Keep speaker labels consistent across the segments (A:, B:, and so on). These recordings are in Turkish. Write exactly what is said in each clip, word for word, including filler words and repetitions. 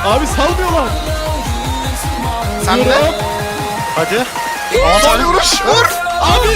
A: Abi salmıyorlar.
B: Sen de.
C: Hadi.
B: Aman tanrım vuruş. Vur.
A: Abi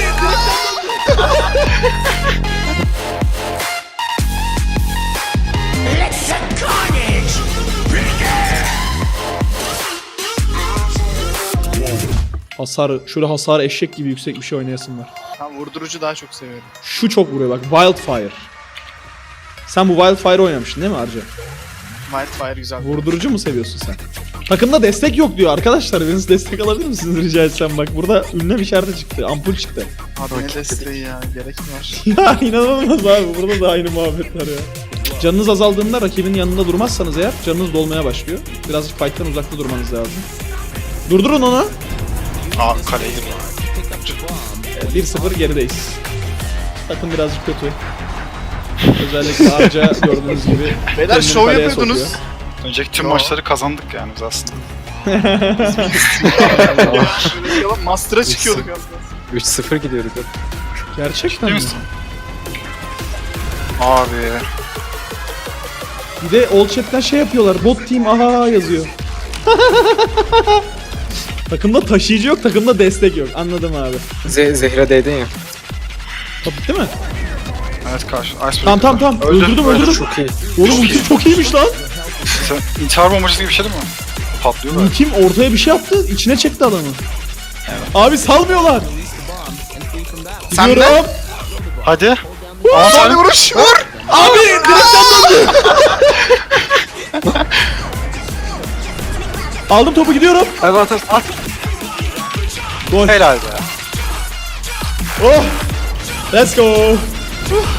A: hasarı, şöyle hasarı eşek gibi yüksek bir şey oynayasın var.
B: Ben vurdurucu daha çok seviyorum.
A: Şu çok vuruyor bak, Wildfire. Sen bu Wildfire oynamıştın değil mi Arca?
B: Wildfire güzel.
A: Vurdurucu mu seviyorsun sen? Takımda destek yok diyor arkadaşlar. Biriniz destek alabilir misiniz rica etsem? Bak burada ünlem işareti çıktı, ampul çıktı.
B: Abi ne desteği ya, gerek mi var?
A: Ya inanılmaz abi, burada da aynı muhabbetler ya. Canınız azaldığında rakibin yanında durmazsanız eğer canınız dolmaya başlıyor. Birazcık fight'tan uzakta durmanız lazım. Durdurun onu.
C: Aa kaleydi bu.
A: Evet, bir sıfır gerideyiz. Takım birazcık kötü. Özellikle Arca gördüğünüz gibi.
B: Beyler
A: kendini
B: şov
A: kaleye
B: yapıyordunuz.
A: sokuyor.
C: Önceki tüm
B: Yo.
C: maçları kazandık yani biz aslında.
B: Yalan Master'a çıkıyorduk aslında.
D: üç sıfır gidiyorduk.
A: Gerçekten
C: Değil
A: mi?
C: misin? Abi.
A: Bir de Old Chat'ten şey yapıyorlar. Bot team aha yazıyor. Takımda taşıyıcı yok, takımda destek yok. Anladım abi.
D: Ze Zehra değdin ya.
A: Top bitti mi?
C: Evet karşı. Iceberg.
A: Tamam tamam tamam.
C: Öldü,
A: Öldürdüm
C: öldü.
A: öldürdüm.
D: Çok iyi.
A: Oğlum ulti çok iyiymiş lan.
C: Sen intihar bombacısı gibi bir şey değil mi? Patlıyorlar.
A: Ultim ortaya bir şey yaptı. İçine çekti adamı. Abi salmıyorlar.
B: Sen de.
A: Gidiyorum.
C: Hadi.
B: Aman
C: Aman
B: tanrım
C: tanrım.
B: vuruş. Vur.
A: Abi direkten döndü. Aldım topu, gidiyorum.
D: Hadi at at at.
A: Gol.
C: Helal be.
A: Oh. Let's go.